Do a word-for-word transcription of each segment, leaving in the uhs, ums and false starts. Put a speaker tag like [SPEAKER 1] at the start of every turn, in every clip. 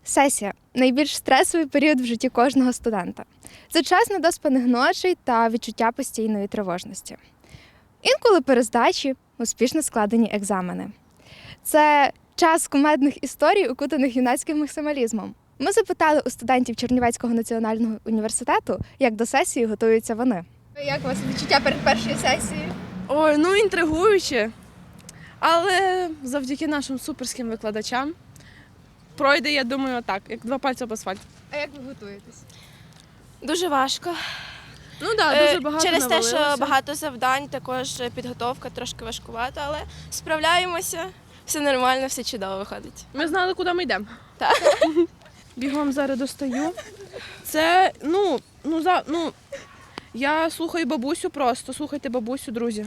[SPEAKER 1] Сесія – найбільш стресовий період в житті кожного студента. Це час недоспаних ночей та відчуття постійної тривожності. Інколи перездачі, успішно складені екзамени. Це час кумедних історій, укутаних юнацьким максималізмом. Ми запитали у студентів Чернівецького національного університету, як до сесії готуються вони. Як у вас відчуття перед першою сесією?
[SPEAKER 2] Ой, ну інтригуюче, але завдяки нашим суперським викладачам пройде, я думаю, так, як два пальці об асфальт.
[SPEAKER 1] А як ви готуєтесь?
[SPEAKER 3] Дуже важко.
[SPEAKER 2] Ну так,
[SPEAKER 3] Е,
[SPEAKER 2] дуже багато
[SPEAKER 3] Через те, що
[SPEAKER 2] навалилося.
[SPEAKER 3] багато завдань, також підготовка трошки важкувата, але справляємося. Все нормально, все чудово виходить.
[SPEAKER 2] Ми знали, куди ми йдемо.
[SPEAKER 3] Так.
[SPEAKER 2] Бігом зараз достаю. Це, ну, ну, за, ну, я слухаю бабусю просто, слухайте бабусю, друзі.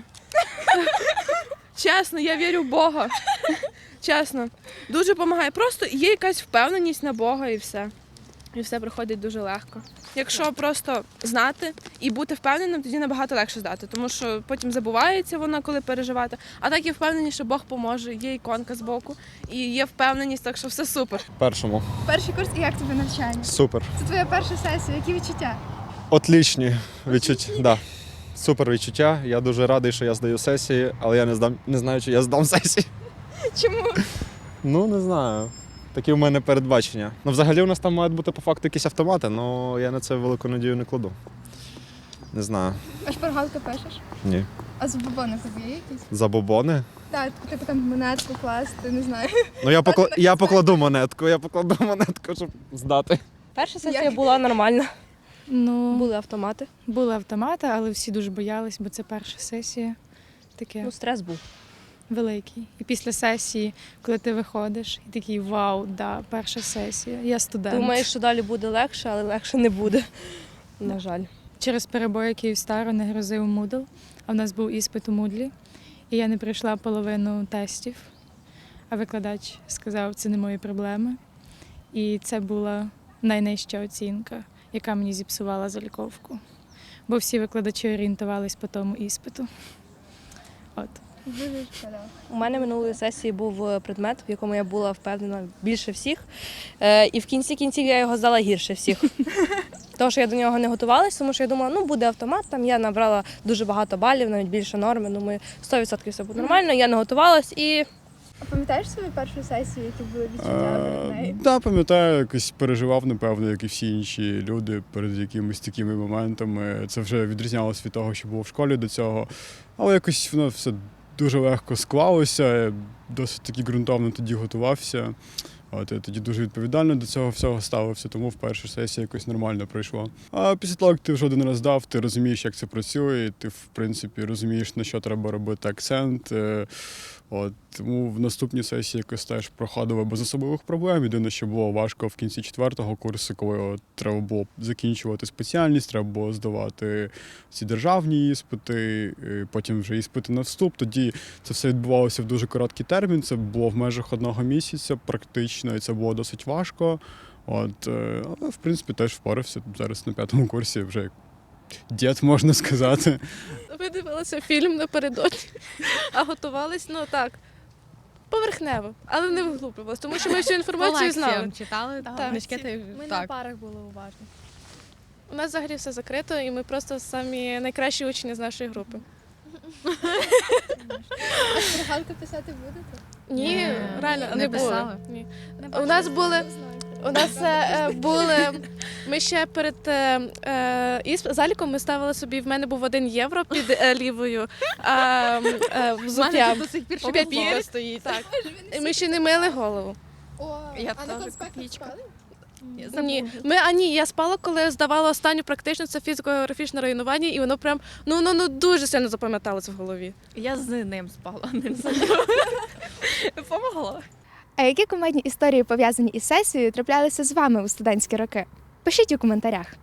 [SPEAKER 2] Чесно, я вірю в Бога. Чесно. Дуже допомагає. Просто є якась впевненість на Бога і все. І все проходить дуже легко. Якщо просто знати і бути впевненим, тоді набагато легше здати, тому що потім забувається вона, коли переживати. А так є впевненість, що Бог поможе, є іконка збоку, і є впевненість, так що все супер.
[SPEAKER 4] Першому.
[SPEAKER 1] Перший курс і як тобі навчання?
[SPEAKER 4] Супер.
[SPEAKER 1] Це твоя перша сесія, які відчуття?
[SPEAKER 4] Отлічні відчуття. Да. Супер відчуття. Я дуже радий, що я здаю сесії, але я не здам, не знаю, чи я здам сесії.
[SPEAKER 1] Чому?
[SPEAKER 4] Ну, не знаю. Такі в мене передбачення. Ну, взагалі у нас там мають бути по факту якісь автомати, але я на це велику надію не кладу. Не знаю.
[SPEAKER 1] А шпаргалки пишеш?
[SPEAKER 4] Ні.
[SPEAKER 1] А забобони тобі є якісь?
[SPEAKER 4] Забобони?
[SPEAKER 1] Так, типу там монетку класти, не знаю.
[SPEAKER 4] Ну, я, покла... я покладу монетку, я покладу монетку, щоб здати.
[SPEAKER 5] Перша сесія
[SPEAKER 1] Як?
[SPEAKER 5] була нормальна.
[SPEAKER 6] Ну,
[SPEAKER 5] Були автомати.
[SPEAKER 6] були автомати, але всі дуже боялись, бо це перша сесія. Таке
[SPEAKER 5] Ну, стрес був.
[SPEAKER 6] великий. І після сесії, коли ти виходиш, і такий вау, да, перша сесія. Я студент.
[SPEAKER 5] Думаєш, що далі буде легше, але легше не буде. На жаль.
[SPEAKER 6] Через перебої Київстару не грозив Moodle, а в нас був іспит у Moodle. І я не пройшла половину тестів, а викладач сказав, це не мої проблеми. І це була найнижча оцінка, яка мені зіпсувала заліковку. Бо всі викладачі орієнтувались по тому іспиту. От.
[SPEAKER 1] Дуже шкода.
[SPEAKER 5] У мене минулої сесії був предмет, в якому я була впевнена більше всіх. Е, і в кінці кінців я його здала гірше всіх. Тому що я до нього не готувалась, тому що я думала, ну буде автомат, там я набрала дуже багато балів, навіть більше норми. Думаю, сто відсотків все буде нормально. Я не готувалась і
[SPEAKER 1] А пам'ятаєш свою першу сесію, які були відчуття перед нею?
[SPEAKER 7] Так, пам'ятаю, якось переживав, напевно, як і всі інші люди перед якимись такими моментами. Це вже відрізнялося від того, що було в школі до цього. Але якось воно все дуже легко склалося, я досить таки ґрунтовно тоді готувався. От, я тоді дуже відповідально до цього всього ставився, тому в першу сесію якось нормально пройшло. А після того, як ти вже один раз дав, ти розумієш, як це працює, ти, в принципі, розумієш, на що треба робити акцент. Е, От, тому в наступній сесії якось теж проходило без особливих проблем. Єдине, що було важко в кінці четвертого курсу, коли от, треба було закінчувати спеціальність, треба було здавати ці державні іспити, і потім вже іспити на вступ. Тоді це все відбувалося в дуже короткий термін, це було в межах одного місяця практично, і це було досить важко. От, е, але, в принципі, теж впорався. Зараз на п'ятому курсі вже як дід, можна сказати.
[SPEAKER 2] Ми дивилися фільм напередодні, а готувались, ну так, поверхнево, але не вглублювалися, тому що ми всю інформацію знали.
[SPEAKER 8] читали,
[SPEAKER 2] Так.
[SPEAKER 8] книжки, та й
[SPEAKER 1] Ми на
[SPEAKER 8] так.
[SPEAKER 1] парах були уважні.
[SPEAKER 2] У нас взагалі все закрито, і ми просто самі найкращі учні з нашої групи.
[SPEAKER 1] А шпаргалки писати будете?
[SPEAKER 2] Ні,
[SPEAKER 8] Ні,
[SPEAKER 2] реально,
[SPEAKER 8] не
[SPEAKER 2] не було.
[SPEAKER 8] писали.
[SPEAKER 2] Ні. У нас були, у нас е, були, ми ще перед е, е, ісп- заліком ми ставили собі, в мене був один євро під е, лівою а, е, взуття.
[SPEAKER 8] до сих пір
[SPEAKER 2] Папір стоїть. Так. І ми ще не мили голову.
[SPEAKER 1] О,
[SPEAKER 8] Я
[SPEAKER 1] а на
[SPEAKER 8] теж
[SPEAKER 1] конспектах
[SPEAKER 8] копійка.
[SPEAKER 1] спали?
[SPEAKER 2] Ні, ми, а ні, я спала, коли здавала останню практичну, це фізико-географічне районування, і воно прям, ну, ну, ну дуже сильно запам'яталося в голові.
[SPEAKER 8] Я з ним спала, не з Помогла.
[SPEAKER 1] А які кумедні історії, пов'язані із сесією, траплялися з вами у студентські роки? Пишіть у коментарях.